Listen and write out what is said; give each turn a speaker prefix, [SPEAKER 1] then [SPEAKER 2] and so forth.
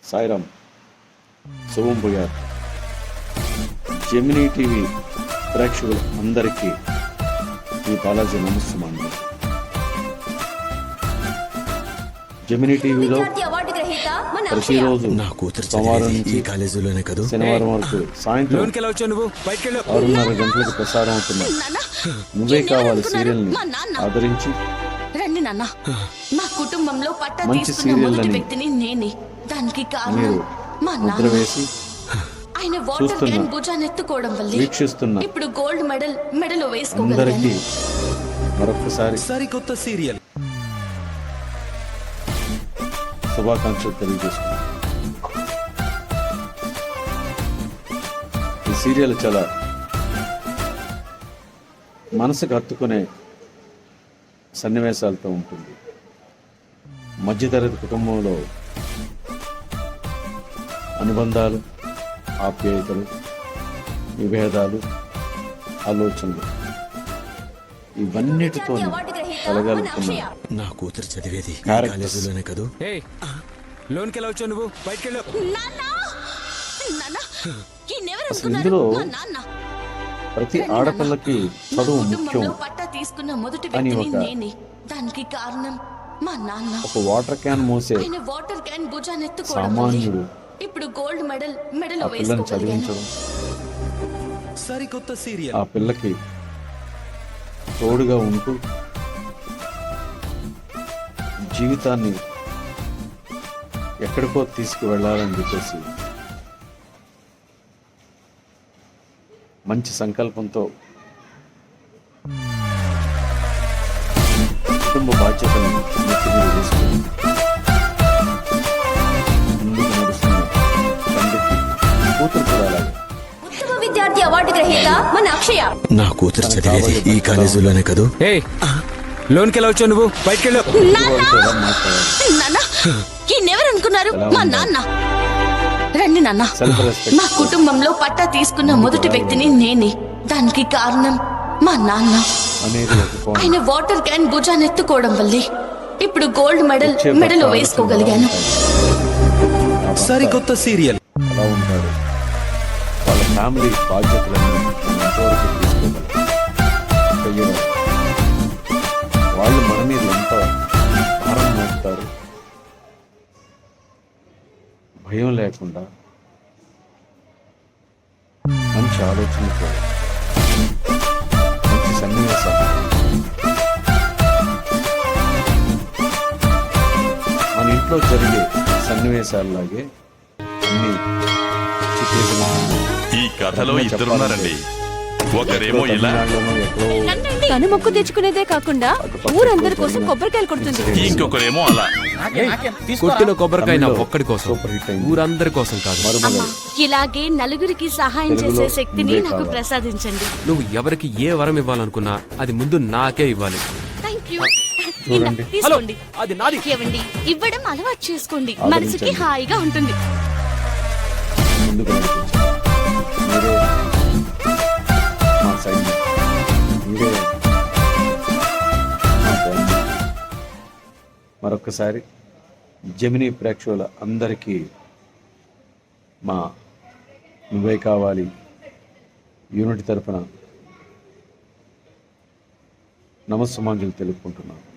[SPEAKER 1] సాయిరామ్, శుభం భూయాత్. Gemini TV ప్రేక్షకులు అందరికీ ఈ బాలాజీ నమస్సుమాండి. జెమినీ టీవీలో ప్రతిరోజు సోమవారం నుంచి శనివారం వరకు సాయంత్రం 6:30 గంటలకు ప్రసారం అవుతున్న నువ్వే కావాలి సీరియల్ని ఆదరించి
[SPEAKER 2] మా కుటుంబంలో పట్టా
[SPEAKER 1] మంచి
[SPEAKER 2] తీసుకున్న మొదటి
[SPEAKER 1] సీరియల్ని
[SPEAKER 2] వ్యక్తిని నేనే. దానికి కారణం
[SPEAKER 1] మీరు
[SPEAKER 2] మా
[SPEAKER 1] ముద్ర
[SPEAKER 2] నాన్న.
[SPEAKER 1] వేసి
[SPEAKER 2] ఆయన వాటర్
[SPEAKER 1] చూస్తున్న,
[SPEAKER 2] క్యాన్ భుజాన్ని ఎత్తుకోవడం వల్లే
[SPEAKER 1] వీక్షిస్తున్న
[SPEAKER 2] ఇప్పుడు గోల్డ్ మెడల్ మెడలో
[SPEAKER 1] అందరికీ
[SPEAKER 2] వేసుకోగలిగాను.
[SPEAKER 1] మరొకసారి
[SPEAKER 3] సరికొత్త సీరియల్
[SPEAKER 1] శుభాకాంక్షలు తెలియజేసుకున్నాను. ఈ సీరియల్ చాలా మనసుకు హత్తుకునే సన్నివేశాలతో ఉంటుంది. మధ్యతరగతి కుటుంబంలో అనుబంధాలు, ఆప్యాయతలు, విభేదాలు, ఆలోచనలు ఇవన్నిటితో కలగలుపుతున్న
[SPEAKER 3] నా కూతురు చదివేది ఈ
[SPEAKER 1] క్యారెక్టర్స్.
[SPEAKER 3] కాలేజీలోనే కదూ. లోన్కి ఎలా వచ్చావు నువ్వు? బయటికి వెళ్ళు.
[SPEAKER 1] అసలు ఇందులో ప్రతి ఆడపిల్లకి చదువు ముఖ్యం
[SPEAKER 2] పట్టా తీసుకున్న మొదటి
[SPEAKER 1] అని
[SPEAKER 2] వ్యక్తిని
[SPEAKER 1] ఒక
[SPEAKER 2] నేనే. దానికి కారణం మా నాన్న.
[SPEAKER 1] ఒక వాటర్ క్యాన్ మోసే
[SPEAKER 2] ఆయన వాటర్ క్యాన్ భుజాన్ని ఎత్తుకోవడం వల్లే
[SPEAKER 1] సామాన్యుడు
[SPEAKER 2] ఇప్పుడు గోల్డ్ మెడల్ మెడలో
[SPEAKER 1] ఆ పిల్లని
[SPEAKER 2] వేసుకోగలిగాను.
[SPEAKER 1] చదివించడం,
[SPEAKER 3] సరికొత్త సీరియల్
[SPEAKER 1] ఆ పిల్లకి తోడుగా ఉంటూ జీవితాన్ని ఎక్కడికో తీసుకువెళ్ళాలని చెప్పేసి మంచి సంకల్పంతో కుటుంబ బాధ్యతలను నెత్తి మీద వేసుకుని ముందుకు నడుస్తున్న తండ్రికి కూతురు కూడా అలాగే.
[SPEAKER 2] ఉత్తమ విద్యార్థి అవార్డు గ్రహీత మన అక్షయ.
[SPEAKER 3] నా కూతురు చదివేది ఈ కాలేజీలోనే కదూ. లోన్కి ఎలా వచ్చావు నువ్వు? బయటికి వెళ్ళు.
[SPEAKER 1] వారితో ఎలా మాట్లాడాలి,
[SPEAKER 2] నాన్న ఈయనెవరు అనుకున్నారు? మా నాన్న. రండి నాన్న.
[SPEAKER 1] సెల్ఫ్ రెస్పెక్ట్
[SPEAKER 2] మా కుటుంబంలో పట్టా తీసుకున్న మొదటి వ్యక్తిని నేనే. దానికి కారణం మా నాన్న.
[SPEAKER 1] అనేది ఒక కోణం.
[SPEAKER 2] ఆయన వాటర్ క్యాన్ భుజాన్ని ఎత్తుకోవడం వల్లే ఇప్పుడు గోల్డ్ మెడల్
[SPEAKER 1] వచ్చే
[SPEAKER 2] మెడలో
[SPEAKER 1] భర్త
[SPEAKER 2] వేసుకోగలిగాను.
[SPEAKER 1] ఆ భర్త
[SPEAKER 3] సరికొత్త సీరియల్
[SPEAKER 1] ఎలా ఉంటాడు, వాళ్ళ ఫ్యామిలీ బాధ్యతలన్నీ మనం ఎంతవరకు తీసుకోగలం, వాళ్ళు మన మీద ఎంత భారం మోపుతారు, భయం లేకుండా మంచి ఆలోచనతో మంచి సన్నివేశాలు మన ఇంట్లో జరిగే సన్నివేశాలలాగే అన్ని చిత్రీకరించారు.
[SPEAKER 4] ఈ కథలో ఇద్దరున్నారండి. ఒకరేమో ఇలా,
[SPEAKER 5] తను మొక్కు తెచ్చుకునేదే కాకుండా ఊరందరి కోసం కొబ్బరికాయలు కొడుతుంది.
[SPEAKER 4] ఇంకొకరేమో అలా.
[SPEAKER 6] కొట్టిన కొబ్బరికాయ నా ఒక్కడి కోసం,
[SPEAKER 1] సూపర్ హిట్ అయింది.
[SPEAKER 6] ఊరందరి కోసం కాదు.
[SPEAKER 1] మరుమగలు
[SPEAKER 2] ఇలాగే నలుగురికి సహాయం
[SPEAKER 1] తెలుగులో
[SPEAKER 2] చేసే శక్తిని
[SPEAKER 1] నువ్వే
[SPEAKER 2] నాకు
[SPEAKER 1] కావాలి.
[SPEAKER 2] ప్రసాదించండి.
[SPEAKER 6] నువ్వు ఎవరికి ఏ వరం ఇవ్వాలనుకున్నా అది ముందు నాకే ఇవ్వాలి.
[SPEAKER 2] Thank you.
[SPEAKER 1] చూడండి.
[SPEAKER 2] తీసుకోండి.
[SPEAKER 6] అది నాది.
[SPEAKER 2] ఏవండి, ఇవ్వడం అలవాటు చేసుకోండి.
[SPEAKER 1] ఆదరించండి.
[SPEAKER 2] మనసుకి హాయిగా ఉంటుంది.
[SPEAKER 1] ముందుకు నడిపించారు. మీరే మా సైన్యం, మీరే మా ధైర్యం. మరొక్కసారి జెమినీ ప్రేక్షకుల అందరికీ మా నువ్వే కావాలి యూనిట్ తరపున నమస్సుమాంజలి తెలుపుకుంటున్నాను.